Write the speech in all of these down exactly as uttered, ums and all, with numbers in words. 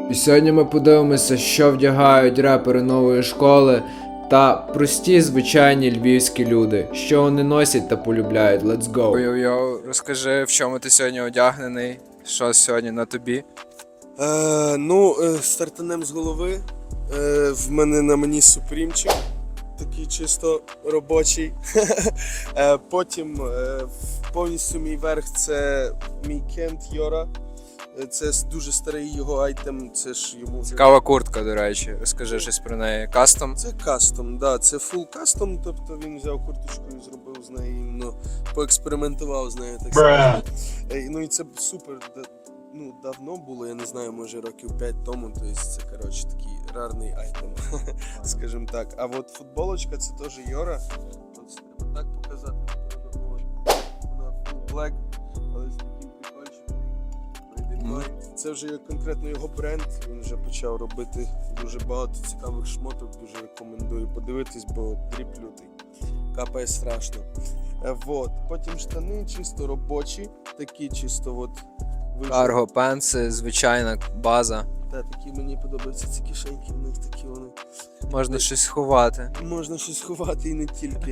І сьогодні ми подивимося, що вдягають репери нової школи та прості звичайні львівські люди, що вони носять та полюбляють. Let's go! Йо-йо, розкажи, в чому ти сьогодні одягнений, що сьогодні на тобі? Е, ну, е, стартанем з голови. Е, в мене на мені супрімчик, такий чисто робочий. е, потім е, повністю мій верх це мій Кент Йора. Е, Це дуже старий його айтем, це ж йому вже... Цікава куртка, до речі, розкажи щось про неї. Кастом? Це кастом, да, це фул кастом, тобто він взяв курточку і зробив з нею, іменно поекспериментував з нею, так сказати. Е, Ну і це супер. Ну, давно було, я не знаю, може років п'ять тому, тобто це, коротше, такий рарний айтем, скажімо так. А от футболочка, це теж Йора. От треба так показати, напевно, от. Вона full black, але з таким прикольчиком. Made in Mind. Це вже конкретно його бренд, він вже почав робити дуже багато цікавих шмоток, дуже рекомендую подивитись, бо дріп лютий, капає страшно. Е, Вот. Потім штани чисто робочі, такі чисто от. Карго, пенси, звичайна база. Та, такі мені подобаються ці кишеньки, в них такі вони. Можна щось ховати. Можна щось ховати і не тільки.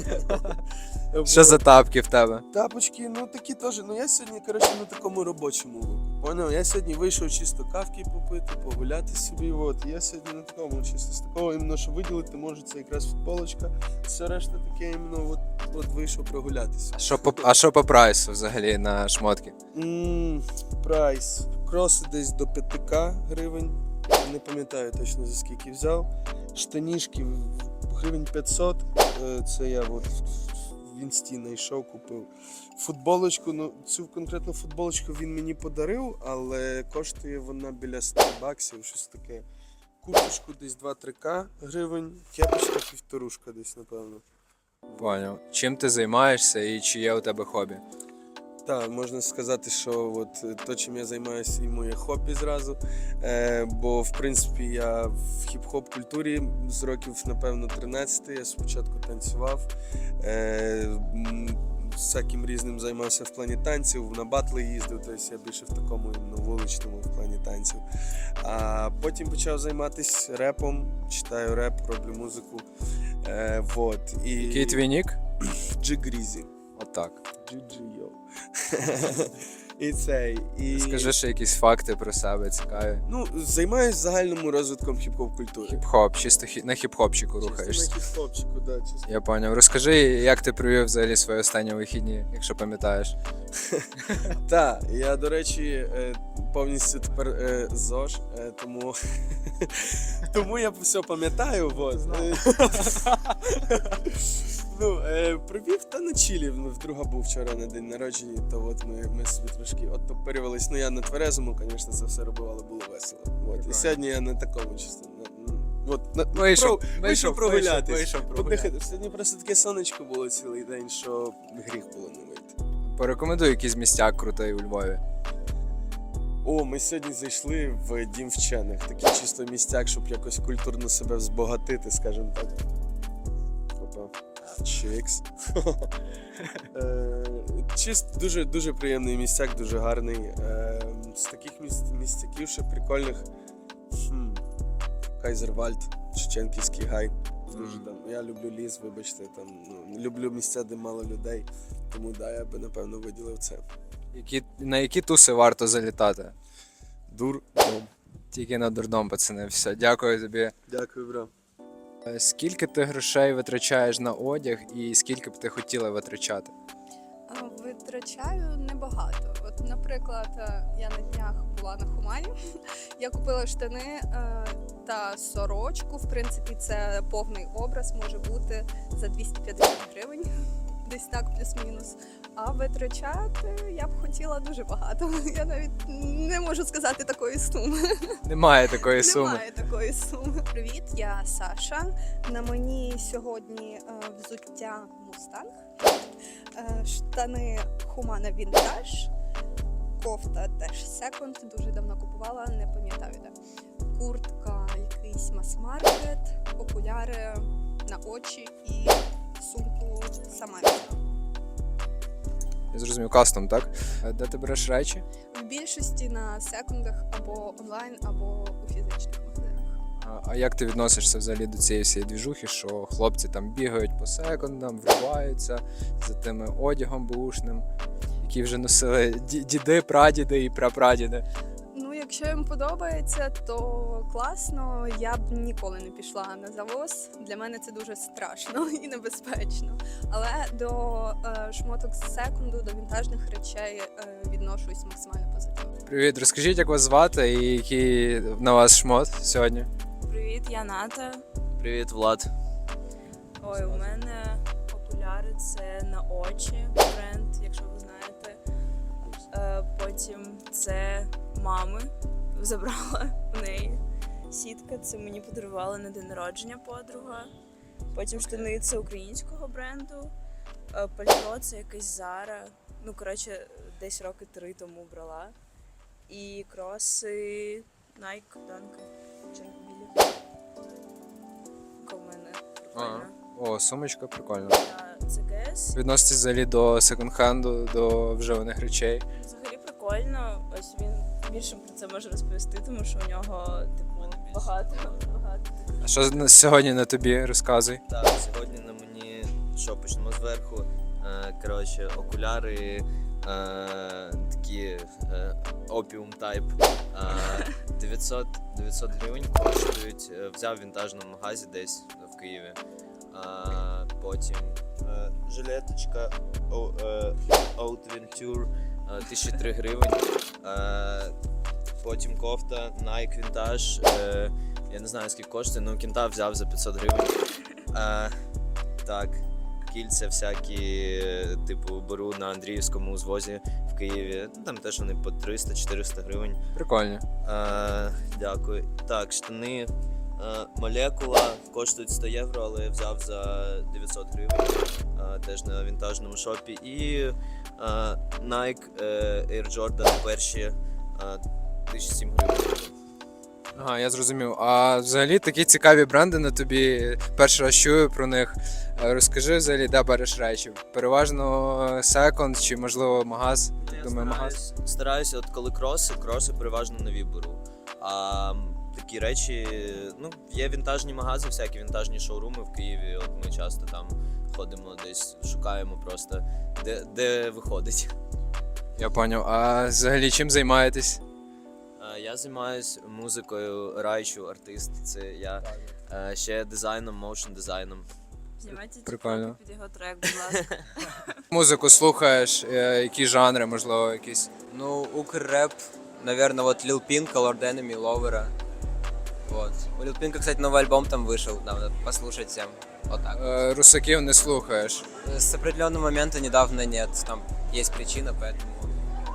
Що за тапки в тебе? Тапочки, ну такі теж. Ну я сьогодні, коротше, на такому робочому луку. Поняв? Я сьогодні вийшов чисто кавки попити, погуляти собі. От. Я сьогодні на такому, чисто з такого, іменно, що виділити може, це якраз футболочка. Все решта таке, іменно, от, от вийшов прогулятися. А що по, а що по прайсу взагалі на шмотки? Ммм, прайс. Кроси десь до п'ять тисяч гривень. Не пам'ятаю точно за скільки взяв. Штанішки гривень п'ятсот. Е, Це я от в інсті знайшов, купив. Футболочку, ну цю конкретну футболочку він мені подарив, але коштує вона біля сто баксів, щось таке. Курточку десь два-три ка гривень, кепочка півторушка десь, напевно. Поняв. Чим ти займаєшся і чи є у тебе хобі? Так, можна сказати, що от то, чим я займаюся, і моє хобі зразу. Е, бо, в принципі, я в хіп-хоп культурі з років, напевно, тринадцяти. Я спочатку танцював, е, м, всяким різним займався в плані танців, на батли їздив, тобто я більше в такому іменно вуличному в плані танців. А потім почав займатися репом, читаю реп, роблю музику. Е, вот. І... Який твій нік? Джигрізі. Отак. Джи-джи-йоу. І цей. І... Скажи ще якісь факти про себе цікаві. Ну, займаюсь загальним розвитком хіп-хоп культури. Хіп-хоп, чисто хі... на хіп-хопчику Чисто рухаєшся. на хіп-хопчику, да, чисто. Я поняв. Розкажи, як ти провів взагалі свої останні вихідні, якщо пам'ятаєш. Так, я, до речі, е, повністю тепер е, ЗОЖ, е, тому... тому я все пам'ятаю, вот. Ну, е, провів та на чилі, в друга був вчора на день народження, то от ми, ми собі трошки оттопирювались. Ну я на тверезому, звісно, це все робив, але було весело. От. І сьогодні я на такому чисто. На, на, от, на, Вийшов, про, вийшов прогулятись. вийшов прогулятись. Подихати. Сьогодні просто таке сонечко було цілий день, що гріх було не вийти. Порекомендуй якийсь містяк крутий у Львові. О, ми сьогодні зайшли в Дім вчених. Такий чисто містяк, щоб якось культурно себе збагатити, скажімо так. Опа. Чикс. Чисто дуже, дуже приємний містяк, дуже гарний. Е, З таких міст, містяків ще прикольних. Хм. Кайзервальд, Шевченківський гай. Дуже там. Я люблю ліс, вибачте, там, ну, люблю місця, де мало людей. Тому да, я би напевно виділив це. Які, на які туси варто залітати? Дур. Тільки на дурдом, пацани. Все, дякую тобі. Дякую, бро. Е, Скільки ти грошей витрачаєш на одяг і скільки б ти хотіла витрачати? А, Витрачаю небагато. От, наприклад, е, я на днях була на Хумані, я купила штани е, та сорочку. В принципі, це повний образ може бути за двісті п'ятдесят гривень, десь так, плюс-мінус. А витрачати я б хотіла дуже багато. Я навіть не можу сказати такої суми. Немає такої суми. Немає такої суми. Привіт, я Саша. На мені сьогодні е, взуття Мустанг, е, штани Humana Vintage, кофта теж секонд, дуже давно купувала, не пам'ятаю де. Куртка, якийсь мас-маркет, окуляри на очі і сумку сама. Я зрозумів, кастом, так? Е, Де ти береш речі? В більшості на секундах або онлайн, або у фізичних магазинах. А, а як ти відносишся взагалі до цієї всієї двіжухи, що хлопці там бігають по секундам, вриваються за тими одягом бушним, які вже носили ді- діди, прадіди і прапрадіди? Ну, якщо їм подобається, то класно. Я б ніколи не пішла на завоз. Для мене це дуже страшно і небезпечно. Але до е, шмоток з секунду, до вінтажних речей е, відношусь максимально позитивно. Привіт, розкажіть, як вас звати і який на вас шмот сьогодні? Привіт, я Ната. Привіт, Влад. Ой, у мене окуляри це на очі бренд, якщо ви знаєте. Е, потім це мами забрала в неї. Сітка це мені подарувала на день народження подруга. Потім штани це українського бренду. Е, пальто це якась Zara. Ну, коротше, десь роки три тому брала. І кроси Nike Dunk. Джанкбілі. У мене прикольно. О, сумочка прикольна. Та Це ГЕС. Відноситесь взагалі до секонд-хенду, до вживаних речей. Взагалі прикольно. Ось він більше про це може розповісти, тому що у нього типу багато багато. А що на- сьогодні на тобі? Розказуй. Так, сьогодні на мені, що почнемо зверху. Е, коротше, окуляри е, такі е, опіум тайп. Е, дев'ятсот, дев'ятсот гривень коштують. Е, Взяв в вінтажному магазі десь в Києві. Е, потім е, жилеточка о- е, Haute Venture, е, тисяча три гривень. Е, Потім кофта Nike Vintage. Е, я не знаю скільки коштує, але кінта взяв за п'ятсот гривень. Е, так, кільця всякі, е, типу, беру на Андріївському узвозі в Києві. Ну, там теж вони по триста-чотириста гривень. Прикольно. Е, дякую. Так, штани е, молекула коштують сто євро, але я взяв за дев'ятсот гривень. Е, теж на вінтажному шопі. І е, Nike е, Air Jordan перші е, тисяча сім гривень. Ага, я зрозумів. А взагалі такі цікаві бренди на тобі. Перший раз чую про них. Е, Розкажи взагалі, де береш речі? Переважно секонд чи можливо магаз? Ну, я Думаю, магаз. стараюсь, стараюся, от коли кроси, кроси переважно нові беру. А м, такі речі, ну, є вінтажні магази, всякі вінтажні шоуруми в Києві. От ми часто там ходимо десь, шукаємо просто, де, де виходить. Я поняв. А взагалі чим займаєтесь? Е, Я займаюся музикою, райчу, артист. Це я. Е, Ще дизайном, моушн дизайном. Знімайте Прикольно. тіктоки під його трек, будь ласка. Музику слухаєш, е, які жанри, можливо, якісь. Ну, укррэп, наверное, вот Lil Pink, Lord Enemy, Lover. Вот. У Lil Pink, кстати, новый альбом там вышел, надо послушать всем. Вот так. Е, Русаків не слухаєш. С определенного момента недавно нет, там есть причина, поэтому...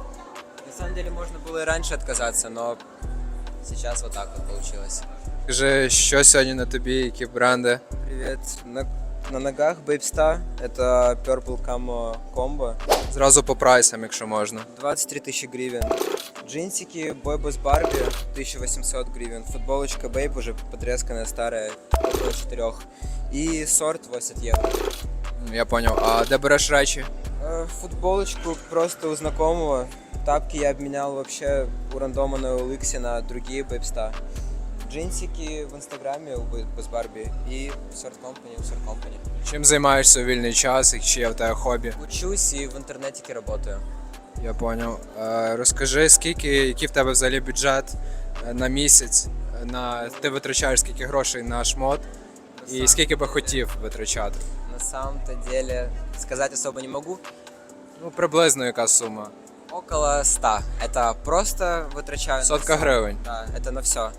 На самом деле можно было и раньше отказаться, но сейчас вот так вот получилось. Скажи, що сьогодні на тобі, які бренди? Привет. На, на ногах Babesta, это Purple Camo Combo. Зразу по прайсам, якщо можна. двадцать три тысячи гривен. Джинсики Boy Boss Barbie тысяча восемьсот гривен. Футболочка Babe уже потресканная, старая, около четырех. И сорт восемьдесят евро. Я поняв. А де береш речі? Э, Футболочку просто у знакомого. Тапки я обменял вообще у рандома на о эл икс на другие Babesta. Джинсики в инстаграме у Boy Boss Barbie и Сорт Company у Сорт Company. Чим займаєшся у вільний час, і чи є в тебе хобі? Учусь и в интернетике работаю. Я поняв. Е, Розкажи, скільки, який в тебе взагалі бюджет е, на місяць, е, на ти витрачаєш скільки грошей на шмот, і скільки би хотів витрачати? На самом-то деле сказать особо не могу. Ну, приблизно яка сума? Около ста. Это просто вытрачаю на Сотка всё. гривень. Да, это на все.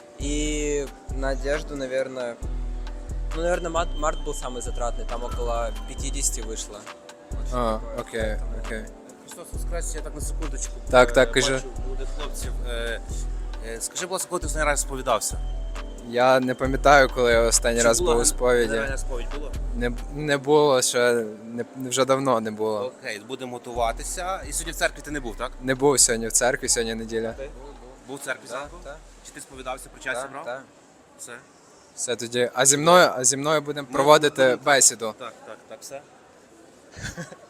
И на одежду, наверное... Ну, наверное, март, март был самый затратный. Там около пятьдесят вышло. А, окей, окей. Христос Воскрес, я так на секундочку. Так, так, Е, кажи. бачу молодих хлопців. Е, е, Скажи, будь ласка, коли ти останній раз сповідався? Я не пам'ятаю, коли я останній Чи раз була був у сповіді. генеральна сповідь було? Не, не було ще, не, вже давно не було. Окей, будемо готуватися. І сьогодні в церкві ти не був, так? Не був сьогодні в церкві, сьогодні неділя. Був в церкві зранку? да. Чи ти сповідався, причастя брав? Да. Все. Все тоді. А зі мною, а зі мною будемо проводити бесіду. Так, так, так, все.